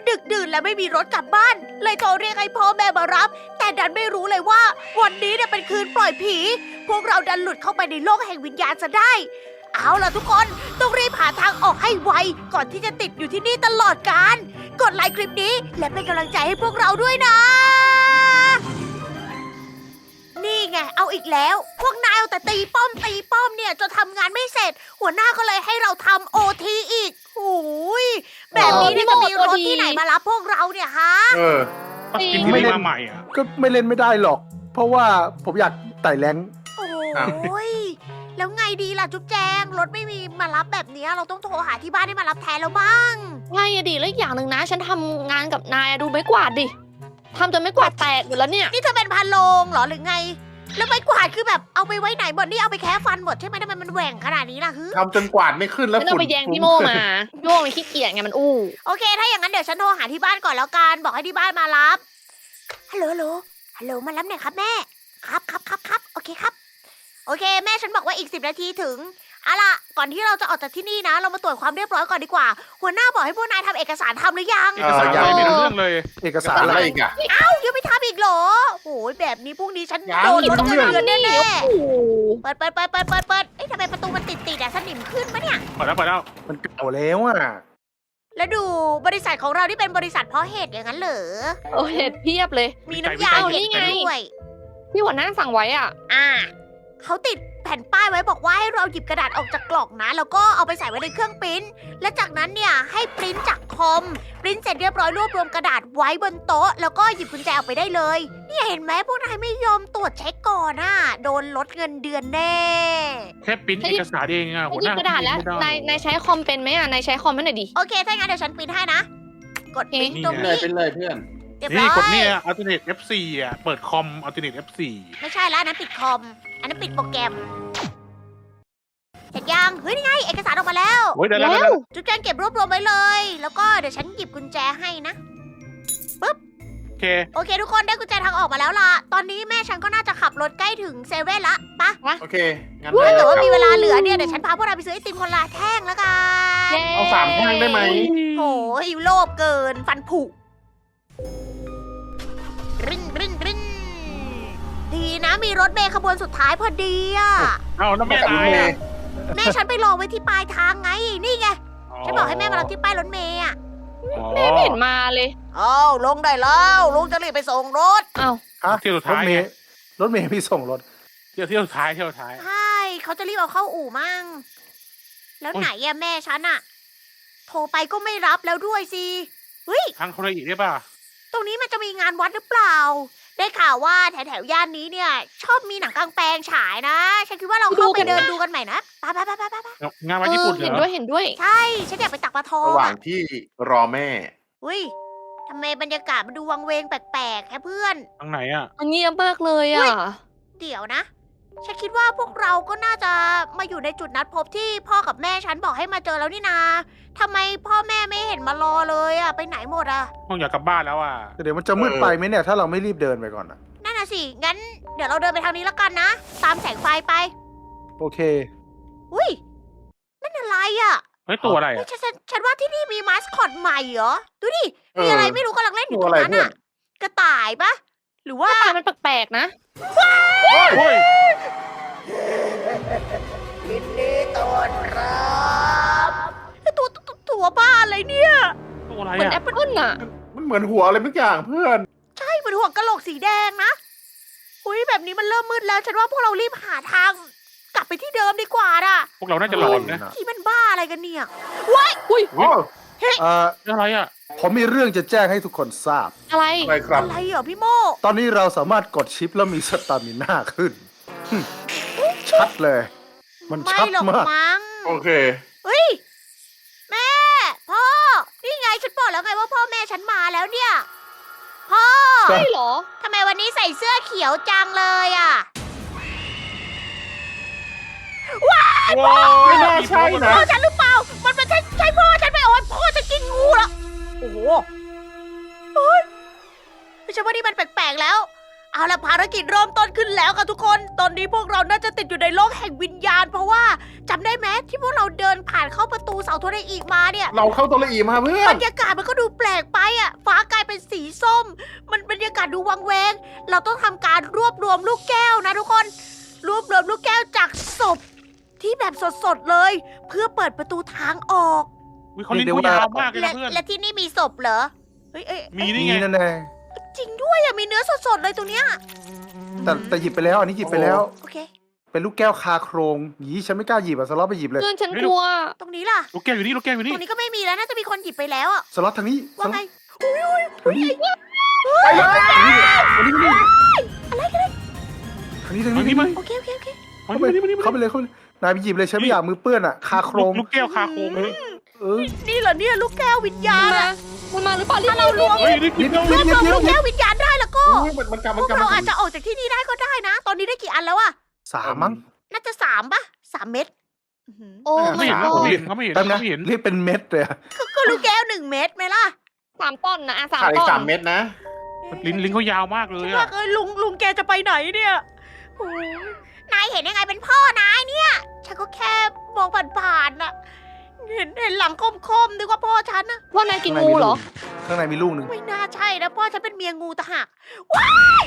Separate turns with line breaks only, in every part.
ดึกดื่นและไม่มีรถกลับบ้าน เลยโทรเรียกให้พ่อแม่มารับ แต่ดันไม่รู้เลยว่าวันนี้เนี่ยเป็นคืนปล่อยผี พวกเราดันหลุดเข้าไปในโลกแห่งวิญญาณซะได้ เอาล่ะทุกคนต้องรีบหาทางออกให้ไวก่อนที่จะติดอยู่ที่นี่ตลอดกาลกดไลค์คลิปนี้และเป็นกำลังใจให้พวกเราด้วยนะ นี่ไงเอาอีกแล้ว พวกนายเอาแต่ตีป้อมเนี่ยจนทำงานไม่เสร็จ หัวหน้าก็เลยให้เราทำโอทีอีกโอ้ยแบบนี้เนี่ยจะมีรถที่ไหนมารับพวกเราเนี่ยฮะ
กินที่ไม่มาใหม่อ่ะ
ก็ไม่เล่นไม่ได้หรอก เพราะว่าผมอยากไต่แรงค์
โอ้ยแล้วไงดีล่ะจุ๊บแจงรถไม่มีมารับแบบนี้เราต้องโทรหาที่บ้านให้มารับแทนแล้วบ้าง
ใช่อะดิแล้วอีกอย่างหนึ่งนะ ฉันทำงานกับนายอะดูไม้กวาดดิทำจนไม้กวาดแตกหมดแล้วเนี่ย
นี่เธอเป็นพาโลงเหรอหรือไง แล้วไม้กวาดคือแบบเอาไปไว้ไหนหมดนี่เอาไปแค่ฟันหมดใช่ไหมทำไมมันแหว่งขนาดนี้ล่ะฮึ
ทำจนกวาดไม่ขึ้นแล้ว
ฉันเอาไปแยงพี่โมมาพี่โมมันขี้เกียจไงมันอู้
โอเค ถ้าอย่างนั้นเดี๋ยวฉันโทรหาที่บ้านก่อนแล้วกันบอกให้ที่บ้านมารับฮัลโหลมารับหน่อยครับแม่ครับโอเคครับโอเค แม่ฉันบอกว่าอีก10 นาทีถึงเอาล่ะก่อนที่เราจะออกจากที่นี่นะ เรามาตรวจความเรียบร้อยก่อนดีกว่า หัวหน้าบอกให้พวกนายทำเอกสารทำหรือยัง
เอกสารอะไรไม่รู้เรื่องเลย
เอกสาร
อะ
อะไร ไร
อีกอ่ะ
ยังไม่ทำอีกเหรอโอ้ยแบบนี้พรุ่งนี้ฉัน
ยัง
โดนลดเงินเดือนแน่
โอ้โห
ๆเปิดเอ๊ะทำไมประตูมันติดอะสนิมขึ้นปะเนี่ย
เปิดแล้ว
มันเก่าแล้วอ่ะ
แล้วดูบริษัทของเราที่เป็นบริษัทเพาะเห็ดอย่างนั้นเหรอ
โอ้เห็ดเพียบเลย
มีน้ำยาเห็ด
นี่ไง
ด้วย
พี่หัวหน้าสั่งไว้อ่ะ
เขาติดแผ่นป้ายไว้บอกว่าให้เราหยิบกระดาษออกจากกล่องนะ แล้วก็เอาไปใส่ไว้ในเครื่องปริ้นและจากนั้นเนี่ยให้ปริ้นจากคอมปริ้นเสร็จเรียบร้อยรวบรวมกระดาษไว้บนโต๊ะแล้วก็หยิบกุญแจออกไปได้เลยเนี่ยเห็นไหมพวกนายไม่ยอมตรวจเช็คก่อนน่ะโดนลดเงินเดือนแน่
แค่ปริ้นเอกสารเองอ่ะ
ไม่
หัว
ห
ห
ยิบ
น้าก
ระดาษแล้ว
ไม่ได้
นายใช้คอมเป็นไหมอ่ะนายใช้คอมให้หน่อยดิ
โอเคถ้างั้นเดี๋ยวฉันปริ้นให้นะกดปริ้น
โอเค
ตรง
เล
นี้
ยเป็นเลยเพื่อน
เรียบร้
นี่
อย
กดเนี่ย alternate F4 อ่ะเปิดคอม alternate F4
ไม่ใช่แล้วอันนั้นปิดคอมอันนั้นปิดโปรแกรมเสร็จยังเฮ้ยนี่ไงเอกสารออกมาแล้ว
โอ้ยได้แล้ว
จุ๊บแจงเก็บรวบรวมไว้เลย แล้วก็เดี๋ยวฉันหยิบกุญแจให้นะ
โอเค
โอเคทุกคนได้กุญแจทางออกมาแล้วล่ะ ตอนนี้แม่ฉันก็น่าจะขับรถใกล้ถึงเซเว่นละปะ
โอเค งั้น
ถ้าเกิดว่า
ได้
มี
ครับ
เวลาเหลือเนี่ยเดี๋ยวฉันพาพวกเราไปซื้อไอติมคนละแท่งแล้วกัน
เย้
เอา3 แท่งได้ไหม
โอ้ยโลภเกินฟันผุรินดีนะมีรถเมล์ขบวนสุดท้ายพอดีอ่ะ
เอาน้ำแม่
กับ
ตาย
เม
อ่ะ
ย์
แม่ฉันไปรอไว้ที่ปลายทางไง นี่ไง ฉันบอกให้แม่มารับที่ป้ายรถเมล์อ่ะ
แม่ไม่เห็นมาเลย
อ้าวลงได้แล้วลุงจะรีบไปส่งรถ
เอ้า
ฮะ
เที่ยวสุด
รถ
ท้าย
เม
ไง
ย์รถเมย์พี่ส่งรถ
เที่ยวสุดท้าย
ใช่ เขาจะรีบเอาเข้าอู่มั่ง แล้ว
โอ๊ย
ไหนอะแม่ฉันอะโทรไปก็ไม่รับแล้วด้วยสิ เฮ้ย
ทางโทรอีกได้ป่ะ
ตรงนี้มันจะมีงานวัดหรือเปล่า ได้ข่าวว่าแถวย่านนี้เนี่ย ชอบมีหนังกลางแปลงฉายนะ ฉันคิดว่าเราเข้าไปเดินดูกันใหม่นะไป
งานวันญี่ปุ่นเหร
เห็น
อ
ด้วย
ใช่ ฉันอยากไปตักปลาทอง
ระหว่าง
อะ
ที่รอแม่
อุ้ยทำไมบรรยากาศมันดูวังเวงแปลกๆแค่เพื่อน
ทางไหนอ่ะ
มันเงียบมากเลยอ่ะ
เดี๋ยวนะ ฉันคิดว่าพวกเราก็น่าจะมาอยู่ในจุดนัดพบที่พ่อกับแม่ฉันบอกให้มาเจอแล้วนี่นาทำไมพ่อแม่ไม่เห็นมารอเลยอะไปไหนหมดอะ
ห้องอยากกลับบ้านแล้วอ่ะ
แต่เดี๋ยวมันจะมืดไปไหมเนี่ย ถ้าเราไม่รีบเดินไปก่อนอะ
นั่นน่ะสิ งั้นเดี๋ยวเราเดินไปทางนี้แล้วกันนะ ตามแสงไฟไป
โอเค
อุ้ย นั่นอะไรอะ
เฮ้ยตัวอะไร
เฮ้ย
อ่ะ
ฉันว่าที่นี่มีมาสคอตใหม่เหรอ ดูดิ
เออ
มีอะไรไม่รู้กำลังเล่นอยู่ตรงนั้น
ตัวอะไรเพื่อ
อะ
น
กระต่ายปะหรือว่า
ตามันแปลกๆนะ
โอ้ย
ยินดีต้อนรับตัวบ้าอะไรเนี่ย
ตัวอะไร
เหมือนแอ
อ่ะ
ปเปิ้ลอ่ะ
มันเหมือนหัวอะไรบางอย่างเพื่อน
ใช่เหมือนหัวกะโหลกสีแดงนะอุ้ยแบบนี้มันเริ่มมืดแล้ว ฉันว่าพวกเรารีบหาทาง กลับไปที่เดิมดีกว่าน่ะ
พวกเราน่าจะหลอนนะ
ที่มันบ้าอะไรกันเนี่ยว้าย
โอ้
อะไรอ่ะ
ผมมีเรื่องจะแจ้งให้ทุกคนทราบ
อะไร
อะไรครับ
อะไรเหรอพี่โม
ตอนนี้เราสามารถกดชิปแล้วมีสตามิน่าขึ้น ชัดเลย มัน
ไม่
ชัด
หรอก
มาก
มั้ง
โอเค
เฮ้ย แม่ พ่อ นี่ไงฉันบอกแล้วไงว่าพ่อแม่ฉันมาแล้วเนี่ย พ่อ
ใช่
ใช่เหรอ
ทำไมวันนี้ใส่เสื้อเขียวจังเลยอ่ะ
ว้าว
ไม่น่าใช่นะ
พ่อฉันหรือเปล่า มันใช่พ่อฉันไหมโอ๊ยพ่อจะกินงูแล้วโอ้โหเฮ้ยฉันว่านี่มันแปลกๆแล้วเอาละภารกิจเริ่มต้นขึ้นแล้วค่ะทุกคน ตอนนี้พวกเราน่าจะติดอยู่ในโลกแห่งวิญญาณ เพราะว่าจำได้ไหมที่พวกเราเดินผ่านเข้าประตูเสาโทรอีกมาเนี่ย
เราเข้าตัวละอีมาเพื่อบ
ร
น
รยากาศมันก็ดูแปลกไปอ่ะ ฟ้ากลายเป็นสีส้ม มันบรรยากาศดูวังเวง เราต้องทำการรวบรวมลูกแก้วนะทุกคน รวบรวมลูกแก้วจากศพที่แบบสดๆเลย เพื่อเปิดประตูทางออก
อุ๊ยเขาลิ้นเขายาวมากเลย
และ
นะเพื่อน
และที่นี่มีศพเหรอ เฮ้ยเอ้ย
มี
นี่
นี่ไง
นั่นแน่
จริงด้วยอ่ะ มีเนื้อสดๆเลยตรงเนี้ย
แต่หยิบไปแล้ว อันนี้หยิบไปแล้ว
โอเค
เป็นลูกแก้วคาโครงหยีฉันไม่กล้าหยิบอะสล็อตไปหยิบเลย
เพื่อนฉันกลัว
ตรงนี้ล่ะ
ลูกแก้วอยู่นี่ลูกแก้วอยู่
ต
นี่
รงนี้ก็ไม่มีแล้วน่าจะมีคนหยิบไปแล้วอ่ะ
สล็อตทางนี้ส
ว่า
ล็อต
ไง
ทางนี้ทางนี้ทางนี้
อะไรกันเลย
ทางนี้ทาง
มา
นี้
นี่มา
โอเคโอเคโอเค
มา
เข้าไป
นี่มานี่มา
เข้าไปเลยเข้าไปเลยนายไปหยิบเลยฉันไม่อยากมือเปื้อนอะคาโครง
ลูกแก้วคาโคงเลย
นี่เหรอเนี่ยลูกแก้ววิญญาณอะ
มันมาหรือเปล่ารีบ
ถ้าเราล้วง
เฮ้ยนี่กินแล้ว
รวบรวมลูกแก้ววิญญาณได้แล้วก็
อุ๊ยมันกำ
พ
มัน
วก
กำ
เราอาจจะออกจากที่นี่ได้ก็ได้นะ ตอนนี้ได้กี่อันแล้วอะ
3มั้ง
น่าจะ3ป่ะ3 เม็ดอื้อหือ
โอ้
ไม่
my
เห็น
god
เขาไม่เห็นเขาไม่เห็น
แป๊บนะ
เขาไม่เห็น
เรียกเป็นเม็ดเลยอะ
ก็ลูกแก้ว1 เม็ดไหมล่ะ
3 ต้นนะ3
ขาดอี
ต้
ก
น
3 เม็ดนะ
ลิ้นเขายาวมากเลย
ว่า
อะ
เอ้ยลุงแกจะไปไหนเนี่ยโอ้ยนายเห็นยังไงเป็นพ่อนายเนี่ย ฉันก็แค่มองผ่านๆน่ะ เห็นหลังคมๆนึกว่าพ่อฉันนะ
ว่านายกินงูเหรอ
ข้างในมีลูกหนึ่ง
ไม่น่าใช่นะพ่อฉันเป็นเมียงูตะหักว้าย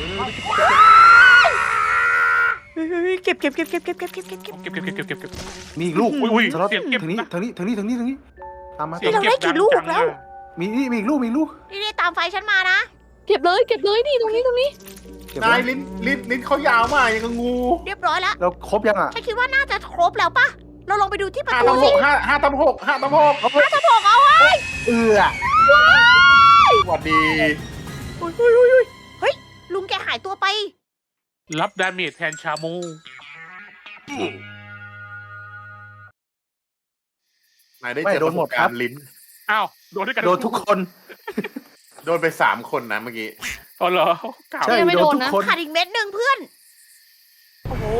เฮ้ยเก็บ
เก็บเก็บเก็บเก็บเก็บ
มีอีกลูก
อุ้ย
สล็อต
เสียงเก็บ
ทางนี้
นะ
ทางนี้ทางนี้ทางนี้ทางนี้ตามมา
เสียงเก็บดังจังอะ
มีนี่มีอีกลูกมีอีกลูก
นี่ตามไฟฉันมานะ
เก็บเลยนี่ตรงนี้
เก็บ
นาย
ไว้
ลิ้นเขายาวมากยังกับงู
เรียบร้อยแล้ว
เราครบยังอ่ะ
ฉันคิดว่าน่าจะครบแล้วปะเราลองไปดูที่ประ
5
ตู
ตำ
สิ
6 5 ตำ 6 5 ตำ 6
จะบอกเอาไว้
เอือ
สวัสดี
เฮ้ยลุงแกหายตัวไป
รับดาเมจแทนชาโม
นายได้เจอประสบการณ์ลิ้น
อ้าวโดนด้วยกัน
โดนทุกคน
โดนไป3 คนนะเมื่อกี้
อ๋อเหรอเก่า
ใช่
ยังไม่
โดน
โดน
ทุก
นะ
คน
ขาดอีกเม็ดหนึ่งเพื่อน โอ้โห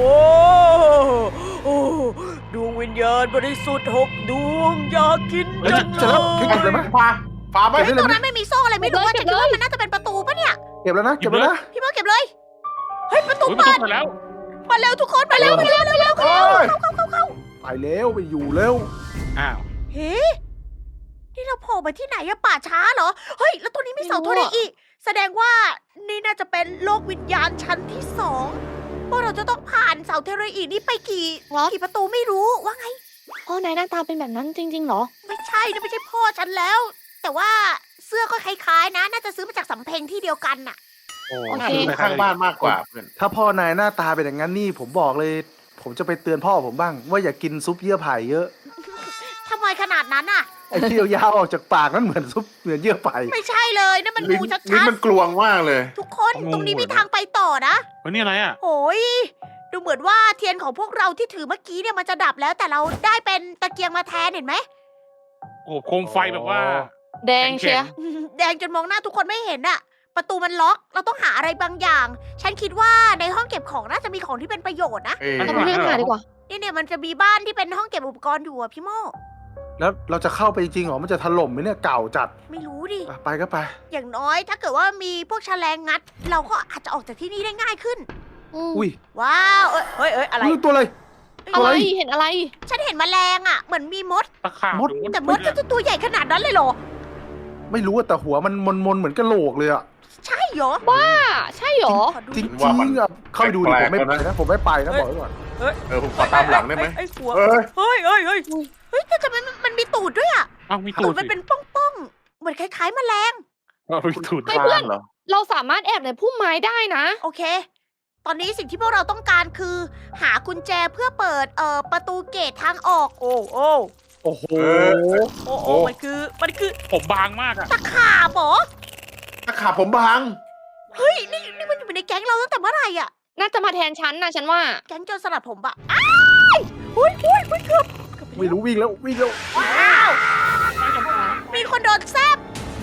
ดวงวิญญาณบริสุทธิ์6 ดวงอยากกิน
เฮ้ย
จัง
จะรับเก็บเลยไหม
ฟ้าไป
เก็บได้
ต
เล
ร
ย
ง
ไหม
นั้นไม่มีโซ่อะไรไม่รู้ว่า
เก็
แต่
บ
คิด
เลย
ว่ามันน่าจะเป็นประตูปะเนี่ย
เก็บแล้วนะเก็บแล้วนะ
พี่โมเก็บเลย เฮ้ยประตู
อุ้ยประ
เปิ
ตู
ด
เปิดแล้ว
มาเร็วทุกคนมาเร็วมาเร็วเร็วเร็ว
โอ้ย
เข้า
ไปแล้วไปอยู่แล้ว
อ้าว
เฮ้นี่เราโผล่มาที่ไหนอะป่าช้าเหรอ เฮ้ยแล้วตัวนี้มีเสาโทรอีก แสดงว่านี่น่าจะเป็นโลกวิญญาณชั้นที่2พวกเราจะต้องผ่านเสาเทเรอีนี่ไปกี่
เหรอ
ประตูไม่รู้ว่าไง
พ่อนายหน้าตาเป็นแบบนั้นจริงๆเหรอ
ไม่ใช่นะไม่ใช่พ่อฉันแล้ว แต่ว่าเสื้อก็คล้ายๆนะ น่าจะซื้อมาจากสำเพ็งที่เดียวกันน่ะ
โอ้
โอเค
น่าจะข้างบ้านมากกว่าเพื่อน
ถ้าพ่อนายหน้าตาเป็นอย่างนั้นนี่ผมบอกเลย ผมจะไปเตือนพ่อผมบ้าง ว่าอย่ากินซุปเยื่อไผ่เยอะ
ทำไมขนาดนั้นน่ะ
ไอ้ที่ยาวๆออกจากปากนั่นเหมือนซุปเหมือนเยื่อไผ่
ไม่ใช่เลยนั่นมัน
ลิ้น
งูชั
ลิ้น
ด
มันกลวงมากเลย
ๆทุกคนตรงนี้มีทางไปต่อนะ
เฮ้ยนี่อะไรอ่ะ
โอ้ยดูเหมือนว่าเทียนของพวกเราที่ถือเมื่อกี้เนี่ยมันจะดับแล้วแต่เราได้เป็นตะเกียงมาแทนเห็นไหม
โอ้โคมไฟแบบว่า
แดงเชียร์
แดงจนมองหน้าทุกคนไม่เห็นอะประตูมันล็อก เราต้องหาอะไรบางอย่าง ฉันคิดว่าในห้องเก็บของน่าจะมีของที่เป็นประโยชน์นะ
เอ้ย
เราไปเรื่องหาดีกว่า
เนี่ยมันจะมีบ้านที่เป็นห้องเก็บอุปกรณ์อยู่อะพี่โม
แล้วเราจะเข้าไปจริงเหรอ มันจะถล่มไหมเนี่ยเก่าจัด
ไม่รู้ดิ
อ่ะไปก็ไป
อย่างน้อยถ้าเกิดว่ามีพวกแฉลงงัด เราก็อาจจะออกจากที่นี่ได้ง่ายขึ้น
อุ้ย
ว้าวเอ้ยอะไร
อุ้ยตัวอะไร
อะไร
เฮ้ย
เห็นอะไร
ฉันเห็นแมลงอะเหมือนมีมด
ตะขาบ
มด
แต่มดจะตัวใหญ่ขนาดนั้นเลยเหรอ
ไม่รู้อะแต่หัวมันมนๆเหมือนกระโหลกเลยอะ
ใช่เหรอ
บ้า ใช่เหรอ
ขอดู
จริง
ดิ
จริงอะเข้าไปดูดิผมไม่ไปนะผมไม่ไปนะบอกไว้ก่อน
ผมขอตามหลังได้ไหม
ไอ้หัว
เอ้ย
เฮ้ยแต่ทำไมมันมีตูดด้วยอะ
อ้าวมี
ตู
ตู
ด
ด
มัน
สิ
เป็นป้องๆ เหมือนคล้ายๆแมลง
มีตูด
เฮ้ยเพื่อน
เหรอ
เราสามารถแอบในพุ่มไม้ได้นะ
โอเค ตอนนี้สิ่งที่พวกเราต้องการคือ หากุญแจเพื่อเปิดประตูเกตทางออก โอ้โอ้
โอ้โห
โอ้มันคือ
ผมบางมากอ่ะ
ตะขาบเหรอ
ตะขาบผมบาง
เฮ้ยนี่มันอยู่ในแก๊งเราตั้งแต่เมื่อไหร่อะ
น่าจะมาแทนฉันนะฉันว่า
แก๊งโจรสลัดผมปะอ้ายหุ้ยเกือบ
ไม่รู้วิ่งแล้ววิ่งแล้ว
ว้าวมีคนโดนแซบ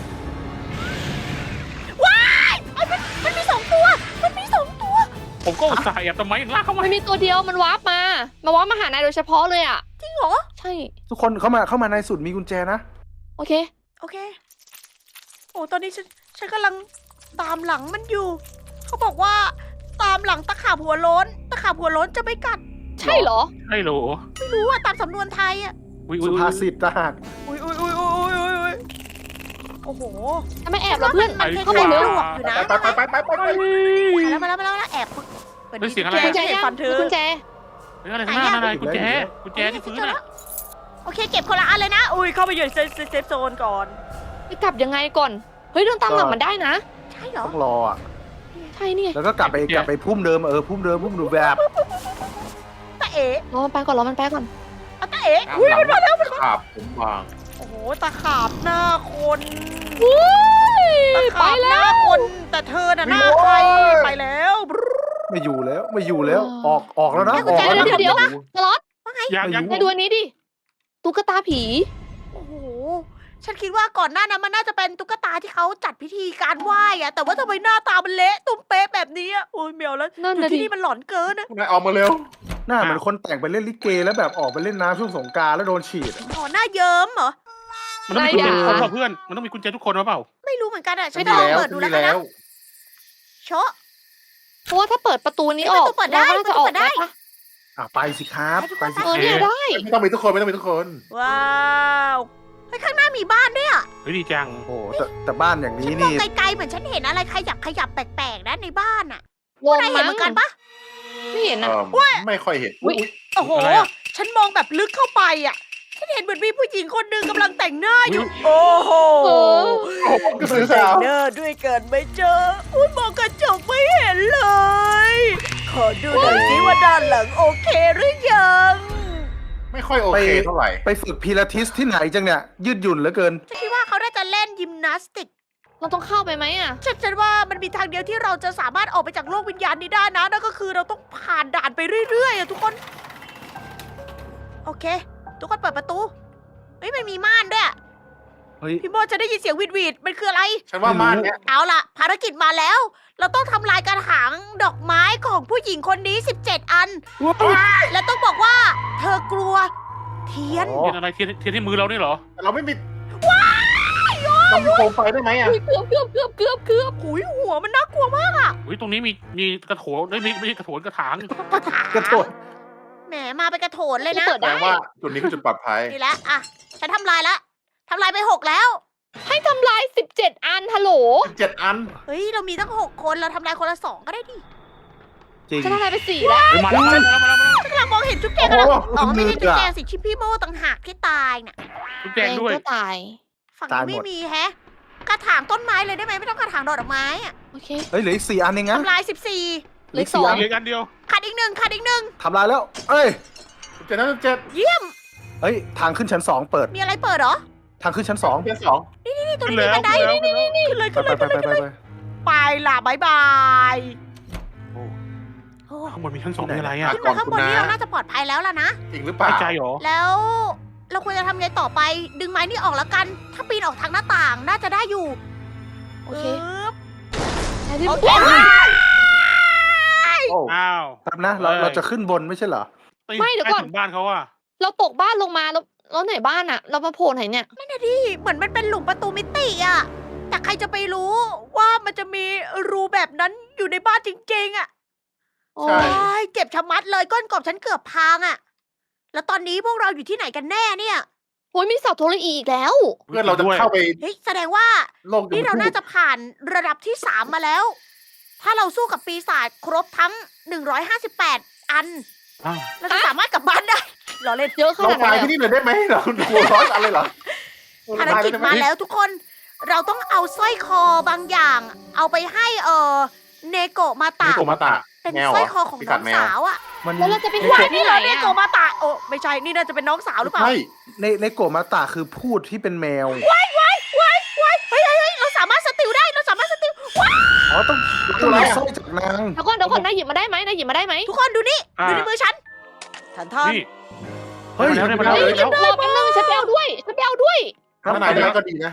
ว้ายเอ้ยมันมี2 ตัว มันมี2 ตัว
ผมก็อุตส่าห์แอบทำไมลากเข้ามา
มันมีตัวเดียวมันวาร์ปมา วาร์ปมาหานายโดยเฉพาะเลยอ่ะ
จริงเหรอ
ใช่
ทุกคนเข้ามาในสุดมีกุญแจนะ
โอเค
โอเค โอ้ตอนนี้ฉันกำลังตามหลังมันอยู่เขาบอกว่าตามหลังตะขาบหัวโล้น ตะขาบหัวโล้นจะไม่กัด
ใช่เหรอ
ไอ้โหล
ไม่รู้อะตามสำนวนไทยอะ
อุ้ย
สุภาษิตทหาร
อุ้ยโอ้โห
ทำไมแอบเหรอเพื่อน
มันคล้ายๆ
เข้าไปเร็ว
ปลวกอยู่นะ
ไป
มาแล้วแอบเปิด
เฮ้ยเสียงอะไร
กุญแจ
เห็น
ยัง
ฟันเธอ
กุญแจ
เฮ้ยอะไรข้างหน้าอะไรกุญแจที่พื้นน่ะ
โอเคเก็บคนละอันเลยนะ อุ้ยเข้าไปอยู่ในเซฟโซนก่อน
ไปกลับยังไงก่อน เฮ้ยเดินตามหลังมันได้นะ
ใช่เหรอ
ต้องรออ่ะ
ใช่นี่ไง
แล้วก็กลับไปพุ่มเดิมพุ่มเดิมแบบ
ตาเอ๋
รอมันไปก่อนรอมันไปก่อน
เอาตาเอ๋
อุ้ยมันมาแล้วขาบผมบาง
โอ้โหตะขาบหน้าคน
อุ้ย
ตะ
ไป
ขาบห
แล้
น้าว คน แต่เธอน่ะหน้าใครไปแล้ว
ไม่อยู่แล้วออกแล้วนะ
กุญแจ
ออกแล้วนะ
เดี๋ยวสล็อต
ยัง
ไปดูอันนี้ดิ ตุ๊กตาผี
โอ้โห ฉันคิดว่าก่อนหน้านั้นมันน่าจะเป็นตุ๊กตาที่เขาจัดพิธีการไหว้อะแต่ว่าทำไมหน้าตามันเละตุ้มเป๊ะแบบนี้อะโอ้ยเมียวแล้ว
นั่น
อยู่
น่ะ
ที่
ดิ
นี่มันหลอนเกินนะ
นายออกมาเร็ว
หน้าเหมือนคนแต่งไปเล่นลิเกแล้วแบบออกไปเล่นน้ำช่วงสงกรานต์แล้วโดนฉีด
อ๋อหน้าเยิ้มเหรอ
มันต้องมีกุญแจทุกคนเปล่าเพื่อนมันต้องมีกุญแจทุกคนหรือเปล่า
ไม่รู้เหมือนกันอะฉั
ไม่
น
ดี
ลอง
แล้ว
เปิดดูแล้วกัน
แล้
นะ
ว
โชะ
เพราะว่าถ้าเปิดประตูนี้ออก
ประตูเปิดได้
ราก็น่าจะออก
ประตูเปิดได้
ได้ปะ
ไปสิครับไปสิ
เออเนี่ยได้
ไม่ต้องมีทุกคนไม่ต้องมีทุกคน
ว้าวเฮ้ยข้างหน้ามีบ้านด้วยอะ
เฮ้ยดีจัง
โอ้โหแต่บ้านอย่าง
ฉั
นี้
นมอง
นี่
ไกลๆเหมือนฉันเห็นอะไรขยับแปลกๆนะในบ้านอะ
งง
นายเห็นเหมือนกันปะ
ไม่เห็น
เอ
นะ
อไม่ค่อยเห็น
อุ๊ย
โอ้โห ฉันมองแบบลึกเข้าไปอะฉันเห็นเหมือนมีผู้หญิงคนหนึ่งกำลังแต่งหน้าอยู่ โอ้โห
เออ
โอ้โหกระสือสาว
เนอร์ด้วยกันไม่เจอ อุ้ยมองกระจกไม่เห็นเลย ขอดูหน่อยสิว่าด้านหลังโอเคหรือยัง
ไม่ค่อยโอเคเท่าไหร่
ไปฝึกพิลาทิสที่ไหนจังเนี่ยยืดหยุ่นเหลือเกิน
ฉันคิดว่าเขาน่าจะเล่นยิมนาสติก
เราต้องเข้าไปไหมอ่ะ
ฉันว่ามันมีทางเดียวที่เราจะสามารถออกไปจากโลกวิญญาณนี้ได้นะ นั่นก็คือเราต้องผ่านด่านไปเรื่อยๆอะทุกคน โอเค ทุกคนเปิดประตู เฮ้ยมันมีม่านด้วยอะ
เฮ้ย
พี่โมจะได้ยินเสียงหวีดๆมันคืออะไร
ฉันว่าม่านเนี้ย
เอาล่ะ ภารกิจมาแล้ว เราต้องทำลายกระถางดอกไม้ของผู้หญิงคนนี้ 17 อัน และต้องบอกว่า เธอกลัว เทียน
อ๋อ
เทียนอะไรเทียนที่มือเรานี่เหรอ
แต่เราไม่มีเรามีโคมไฟได้ไหมอ่ะ
อุ๊ยเกือบ
หุยหัวมันน่ากลัวมากอะ
อุ้ยตรงนี้มีกระโถนไม่ใช่กระโถนกระถาง
กระโดด
แหมมาเป็นกระโถนเลยนะ
เปิด
แปล
ได้
ว่าจุดนี้คือจุดปลอดภัย
นี่แหละอ่ะ ฉันทำลายละทำลายไป 6 แล้ว
ให้ทำลาย 17 อันฮัลโหล
7 อัน
เฮ้ย เรามีตั้ง 6 คน เราทำลายคนละ 2 ก็ได้ดิ
จริง
ฉันทำลายไป4แล้ว
เฮ้ยมาแล้ว
ฉันกำลังมองเห็นจุ๊บแจงกำลัง
โอ้โห
อ๋อไม่ใช่
มืดอะ
จุ๊บแจงสิชิปพี่โมต่างหากที่ตายน่ะ
ทุกแจงด้วย
ก็ตาย
ฝั่ง
ตาย
นี้
หม
ไม่
ด
มีแฮะ กระถางต้นไม้เลยได้ไหมไม่ต้องกระถางดอกไม้อะ
โอเค
เฮ้ยเหลืออีก4 อันเองนะ
ทำลาย 14
เหลือสอง
เหลือกันเดียว
ขาดอีกหนึ่งขาดอีกหนึ่ง
ทำลายแล้ว เอ้ย
7นั้น7
เยี่ยม
เฮ้ยทางขึ้นชั้น2เปิด
มีอะไรเปิดเหรอ
ทางขึ้นชั้น2
เป็น2
นี่ตรง
ขึ้น
นี้
แล้ว
บันได
ขึ้นแล้ว
นี่ขึ้นเลย
ไป
ขึ้นเลย
ไป
ขึ้น
ไป
เลย
ไปไป
ไปล่ะบายบาย
โอ้
โอ้
ข้างบนมีชั้น2มีอะไรอ่ะ
ขึ้นมาข้างบนนี้เราน่าจะปลอดภัยแล้วล่ะนะ
จริงหรือเปล่า
ไม่ใจหรอ
แล้วเราควรจะทำไงต่อไป ดึงไม้นี่ออกแล้วกัน ถ้าปีนออกทางหน้าต่างน่าจะได้อยู่
โอเค
ปึ๊บ
ไหนที่
โอเค
โอ้
อ้าว
แป๊บนะเราจะขึ้นบนไม่ใช่เหรอ
ไม่เดี๋ยวก่อน
ใต้ถุบ้านเขาอ่ะ
เราตกบ้านลงมาแล้วไหนบ้านอ่ะ เรามาโผล่ไหนเนี่ย
นั่นน่ะดิเหมือนมันเป็นหลุมประตูมิติอะแต่ใครจะไปรู้ว่ามันจะมีรูแบบนั้นอยู่ในบ้านจริงๆอะ
โอ้
ใช่
โอ้ยเจ็บชะมัดเลยก้นกบฉันเกือบพังอะแล้วตอนนี้พวกเราอยู่ที่ไหนกันแน่เนี่ย
โหมีเสาโทรอีอีกแล้ว
เพื่อนเราจะเข้าไป
เฮ้ยแสดงว่า
โลก
นี่เราน่าจะผ่านระดับที่ 3 มาแล้ว ถ้าเราสู้กับปีศาจครบทั้ง 158 อัน
อ้าว
เราจะสามารถกลับบ้านได้เราเล่น
เยอะข
เรา
นาด
ตา
นั้
ย
น
ที่
เลย
นี่เลยได้ไหมเรากลัวร้อนอะไรเหรอ
ภารกิจมาแล้วทุกคน เราต้องเอาสร้อยคอบางอย่าง เอาไปให้เนโกะมา
ตา
ตะ
โกมาตะ
เป็น
แมว
สร้อย
เห
ค
ร
อ
อ
ของ
พิ
น้
กั
อ
ด
ง
แมว
สาวอะ
มัน
แล้วเราจะไป
ไม่
หา
ใช่
ที่
นี่
ไหน
เราเน
อ่ะ
โกะมาตะโอ้ไม่ใช่นี่น่าจะเป็นน้องสาวหรือเปล่า
ใช่
ในโกมาตาคือพูดที่เป็นแมว
เฮ้ยเราสามารถสติลได้เราสามารถสติลว้าย
อ๋อต้องมีสร้อยจากนาง
เดี๋ยวก่อนนายหยิบมาได้ไหมนายหยิบมาได้ไหม
ทุกคนดูนี่ดูในมือฉันท่าน
นี่
เฮ้ย
ได้มาแล้ว
เฮ้ยรอแป๊บนึงฉันไปเอาด้วยฉันไปเอาด้วย
ถ้านายได้ก็ดีนะ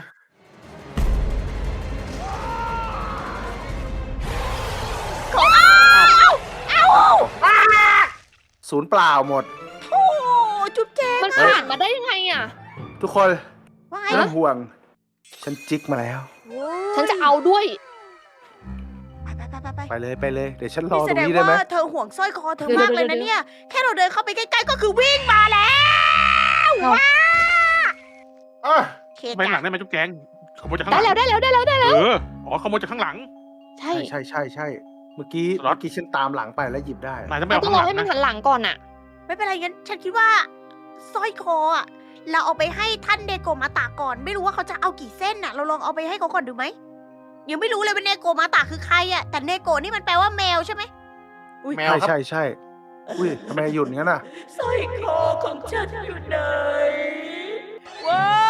ศูนย์เปล่าหมด
โอ้จุ๊บแจง
มันผ่านมาได้ยังไงอ่ะ
ทุกคน
ว่าไง
ไม่ต้องห่วง ฉันจิกมาแล้ว
โอ้ย
ฉันจะเอาด้วย
ไป
ไปเลยไปเลย เดี๋ยวฉันรอ
นี่
ต
แส
รง
ดง
นี้ได้ไหม
ว่าเธอห่วงสร้อยคอเธอมากเลยนะเนี่ย แค่เราเดินเข้าไปใกล้ๆก็คือวิ่งมาแล้วว้า
อ่ะ
เค
ไปหลั
จ้ะ
งได้ไหมจุ๊บแจงขโมยจากข้างห
ได้
ลัง
แล้วได้แล้วได้แล้ว
อ๋อขโมยจากข้างหลัง
ใช่
ใช่เมื่อกี้
สล็อต
ฉันตามหลังไปแล้วหยิบได้
นายต้องไป
เรา
เอา
ต้อ
ข้าง ง
ร
ห
อ
ลัง
ให้มัน
นะ
หันหลังก่อนอะ
ไม่เป็นไรงั้นฉันคิดว่าสร้อยคออะเราเอาไปให้ท่านเนโกมาตะก่อน ไม่รู้ว่าเขาจะเอากี่เส้นน่ะ เราลองเอาไปให้เขาก่อนดูไหมยังไม่รู้เลยว่าเนโกมาตะคือใครอะแต่เนโกนี่มันแปลว่าแมวใช่ไหม
แมวครับ
ใช่อุ้ยทำไมหยุดงั้นน่ะ
สร้อยคอของฉันอยู่ไหนว้าว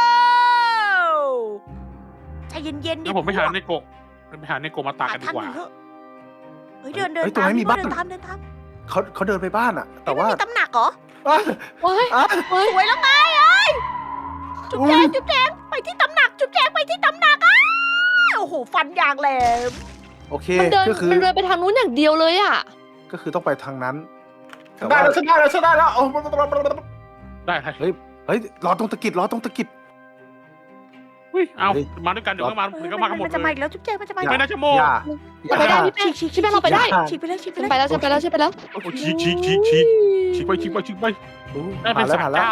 ใจเย็นๆดิ
งั้นผมไปหาในโกะไปหาในโกะมาตา
หา
กันดี
ท่าน
กว่า
หนึ่งเถอะเฮ้ยเดิน
เฮ้ยตรง
ตาม
นั้นมีบ้าน
เดินตาม
เขาเดินไปบ้านอ่ะ แต่ว่า
มีตำหนักเหรอ
อ่ะ
ว้าย
อ่ะ
สวยแล้วไงเอ้ยจุ๊บแจงจุ๊บแจงไปที่ตำหนักจุ๊บแจงไปที่ตำหนักอ้าวโอ้โหฟันอย่างแหลม
โอเค
มันเดิน
ก็คือ
มันเดินไปทางนู้นอย่างเดียวเลยอะ
ก็คือต้องไปทางนั้น
ฉันได้แล้วฉันได้แล้วฉันได้แล้วโอ้
ได้ครับ
เฮ้ยรอตรงตะกิดรอตรงตะกิด
อุ้ยเอามาด้วยกันเดี๋ยวก็มาเดี๋ยวก็มากันหมด
มันจะ
เล
มาย อีกแล้วจุ๊บแจงมันจะมาอีก
ไม่
แล้ว
น่าจะโม
อย่า
เราไปได้พี่แป้งพี่แป้งเราไปได้
ฉีกไปเลยฉีกไป
ฉัน
เลย
ไปแล้วฉันไปแล้วฉันไปแล้ว
โอ้ฉีกไปได้เป็น
ผ่านแล้ว
สาม
ผ่านแล้ว
เจ้า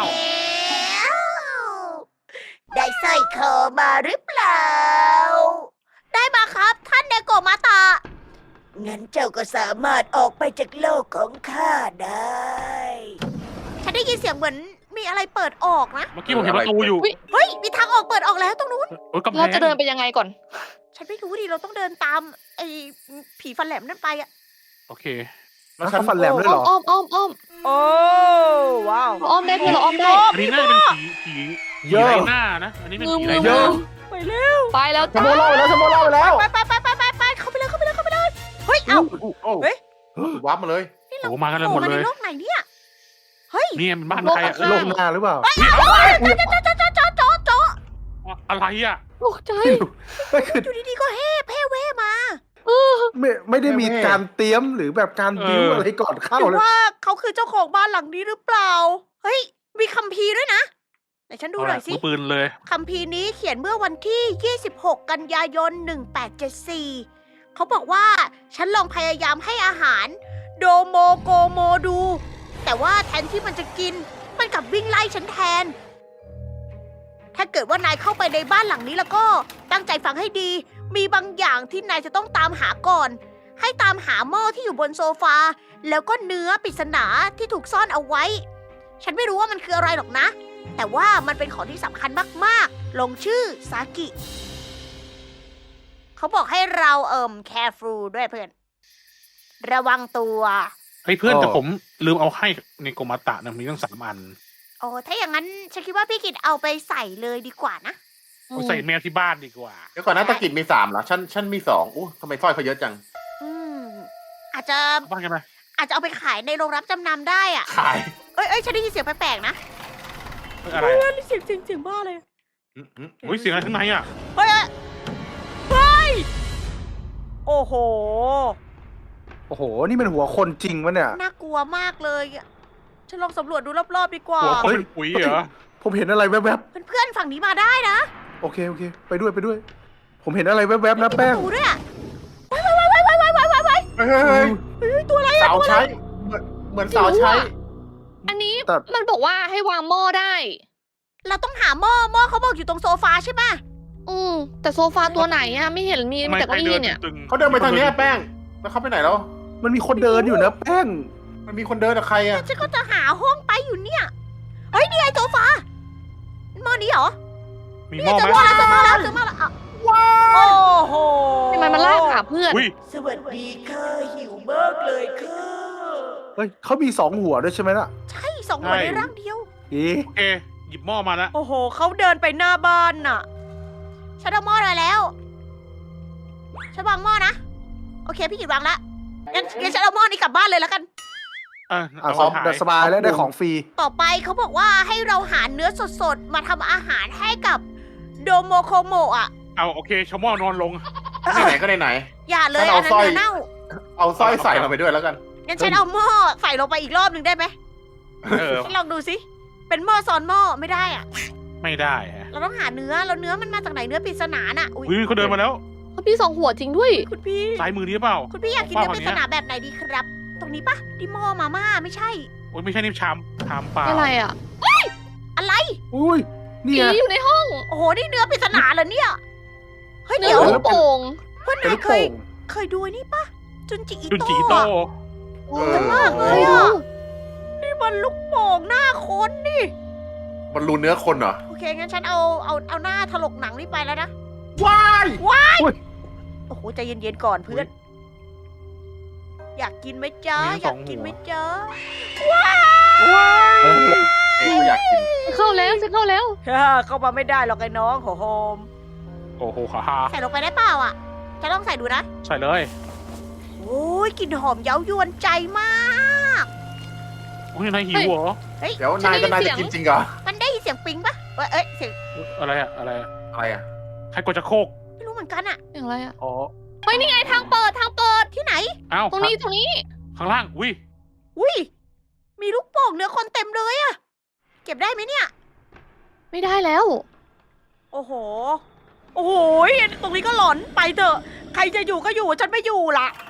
ได้สร้อยคอมาหรือเปล่า ได้มาครับท่านเนโกะมาตะงั้นเจ้าก็สามารถออกไปจากโลกของข้าได้ ฉันได้ยินเสียงเหมือนมีอะไรเปิดออกนะ
เมื่อกี้ผมเห็นประตูอยู่
เฮ้ย มีทางออกเปิดออกแล้วตรงนู้น
โอ้ยกำแพ
เรา
ง
จะเดินไปยังไงก่อน
ฉันไม่รู้ดิ เราต้องเดินตามไอ้ผีฟันแหลมนั่นไปอะ
โอเค
แล้วเขาฟันแหลมด้วยเหรอ
อ้อม
โอ้ว้าว
เราอ้อมได้พี่เราอ้อมได้
อันนี้น่าจะเป็นผี
เยอะ
ไรหน้านะ อันนี้เป็นผีไรห
เย
น้า
อะ
ไปเร็ว
ไปแล้ว
ฉัน
จ้า
โมเล่าไปแล้วฉันโมเล่าไปแล้ว
ไปเข้าไปเลยเข้าไปเลยเข้าไปเลย เฮ้ย เอ้า
โอ้
เฮ้ย
วับมาเลย
โอ้มากัน
โผ
หม
ล่
ด
มา
เล
ใน
ย
โลกไหนเนี่ย เฮ้ย
นี่เป็นบ้านใครอ่ะ
โลกหน้าหรือเปล่า
โจ๊ะ
อะไรอ่ะ
ตกใจ
ไม่คือ
อยู่ดีๆก็เฮ่เพ่เว่มา
ไม่ได้มีการเตรียมหรือแบบการบิ้วอะไรก่อนเข้า
หรือ
เลย
ว่าเขาคือเจ้าของบ้านหลังนี้หรือเปล่า เฮ้ย มีคัมภีร์ด้วยนะไหนฉันดูหน่อยสิ
มือปืนเลย
คัมภีร์นี้เขียนเมื่อวันที่ 26 กันยายน 1874 เขาบอกว่าฉันลองพยายามให้อาหารโดโมโกโมดู แต่ว่าแทนที่มันจะกิน มันกลับวิ่งไล่ฉันแทน ถ้าเกิดว่านายเข้าไปในบ้านหลังนี้แล้วก็ตั้งใจฟังให้ดี มีบางอย่างที่นายจะต้องตามหาก่อน ให้ตามหาหม้อที่อยู่บนโซฟา แล้วก็เนื้อปริศนาที่ถูกซ่อนเอาไว้ ฉันไม่รู้ว่ามันคืออะไรหรอกนะ แต่ว่ามันเป็นของที่สำคัญมากๆ ลงชื่อซากิ เขาบอกให้เราcareful ด้วยเพื่อน ระวังตัว
เฮ้ยเพื่อนแต่ผมลืมเอาให้ในโกมาตะนะมีตั้ง3 อัน
โอ้ถ้าอย่างนั้นฉันคิดว่าพี่กิตเอาไปใส่เลยดีกว่านะ
เอาใส่แมวที่บ้านดีกว่า
เดี๋ยวก่อนนะตะกิดมี3เหรอฉันมี2อู้ทำไมสร้อยเขาเยอะจัง
อืม อาจจะ
บ้านกันไหม
อาจจะเอาไปขายในโรงรับจำนำได้อะ
ขาย
เอ้ยฉันได้ยินเสียงแปลกๆนะ
อะไร
เฮ้
อะ
ยเสียงบ้าเลย
อุ้ยเสียงอะไรข้างในอ่ะ
เฮ้ยเฮ้ย โอ้โห
โอ้โห นี่มันหัวคนจริงวะเนี่ย
น่ากลัวมากเลยอะฉันลองสำรวจดูรอบๆดีกว่า
หัวคนเป็นปุ๋ยเหรอ
ผมเห็นอะไรแวบ
เพื่อนๆฝั่งนี้มาได้นะ
ๆโอเคไปด้วย ผมเห็นอะไรแวบๆนะแป้ง
มีประตูด้วยอะ
เฮ้ยตัวอะไรสาวใช้เหมือนสาวใช้
อันนี้
แต่
มันบอกว่าให้วางหม้อได้
เราต้องหาหม้อเขาบอกอยู่ตรงโซฟาใช่ไหม
แต่โซฟาตัวไหนอะไม่เห็นมีแต่เก้าอี้เนี่ย
ตึง
เขาเดินไปทางเนี้ยแป้ง แล้วเขาไปไหนแล้ว
มันมีคนเดินอยู่นะแป้ง
มันมีคนเดินกับใครอ่ะ
ฉันก็จะหาห้องไปอยู่เนี่ย เฮ้ยนี่ไงโซฟาหม้อนี้เหรอ
มี
นี่
หม้อ
เจอ
ไหม
หม้อแล้วเจอหม้อแล้วอ่ะโอ้โห
ทำไมมันลากหาเพื่อน
อุ้ย
สวัสดีค่ะหิวมากเลยค่ะ
เฮ้ยเขามี2 หัวด้วยใช่ไหมล่ะ
ใช่2 หัวในร่างเดียว
เอ๊ะ
โอเคหยิบหม้อมาแล้ว
โอ้โหเขาเดินไปหน้าบ้านน่ะฉันเอาหม้อมาแล้วฉันวางหม้อนะโอเคพี่กิตวางละงั้นฉันเอาหม้อนี้กลับบ้านเลยแล้วกัน
อ่ะ
เอา
สบายแล้วได้ของฟรี
ต่อไปเขาบอกว่าให้เราหาเนื้อสดๆ มาทำอาหารให้กับโดโมโคโมะอ่ะ
เอาโอเคชาวหม้อนอนลง
ไหนก็ไหน
อย่าเลย
ฉัน
อั
เอา
นนั้น
สร้อย
เนื้อเน่า
เอาสร้อยใส่เราไปด้วยแล้วกัน
งั้นฉันเอาหม้อใส่ลงไปอีกรอบหนึ่งได้ไหม
เออ
ฉันลองดูสิ เป็นหม้อซ้อนหม้อไม่ได้อ่ะ
ไม่ได้ฮะ
เราต้องหาเนื้อแล้วเนื้อมันมาจากไหนเนื้อปริศนาน่ะ
อุ้ยเขาเดินมาแล้ว
เขามีสองหัวจริงด้วย
คุณพี่
ซ้ายมือนี้หรือเปล่า
คุณพี่อยากกิน
ข
เนื้
ง
อ
ป้
ปริ
ค
ศ
ย
นาแบบไหนดีครับ ตรงนี้ปะดิหม้อมาม่าไม่ใช่
โอ้ยไม่ใช่นี่ชามเปล่า
อะไรอ่ะ
อะไร
อุ้ย
ผี
เนี่ย
อยู่ในห้อง
โอ้โห นี่เนื้อปริศนาเหรอเนี่ย เฮ้ย
เนื้อ
เดี๋ยว
ลูกโป่ง
เพื่อน
เป็น
นาย
ลูก
เคย
โป่ง
เคยดูไอ้นี่ปะจุนจิอิ
จุน
โต้
จีโต้
อะ
เออ
มากเลยอะนี่มันลูกโป่งหน้าคนนี่
มันรูเนื้อคนเหรอ
โอเค งั้นฉันเอาหน้าถลกหนังนี่ไปแล้วนะ
ว้าย
โอ้โห ใจเย็นๆก่อนเพื่อน อยากกินไหมจ๊ะ อยากกินไหมจ๊ะ
ก็อยากกิน
จะเข้าแล้วจะเข้าแล้ว
เข้ามาไม่ได้หรอกไอ้น้องโหโฮม
โอ้โหขาฮา
ใส่ลงไปได้เปล่าอ่ะ จะลองใส่ดูนะ
ใส่เลย
โอ้ยกลิ่นหอมเย้ายวนใจมาก
โอ้ยนายหิวเหรอ
เดี๋ยวนายก็นายจะกินจริงเหรอ
มันได้ยินเสียงปิ๊งปะเอ้ยเสียง
อะไรอะอะไรอะ
อะไรอ่ะ
ใครกดจะโคก
ไม่รู้เหมือนกันอะ
อย่างไรอ่ะ
อ๋อ
เฮ้ยนี่ไงทางเปิดทางเปิด
ที่ไหน
เอ้า
ตรงนี้ตรงนี้
ข้างล่างอุ้ย
อุ้ย มีลูกโป่งเนื้อคนเต็มเลยอะเก็บได้ไหมเนี่ย
ไม่ได้แล้ว
โอ้โห โอ้โห ตรงนี้ก็หลอนไปเถอะ ใครจะอยู่ก็อยู่ ฉันไม่อยู่ละ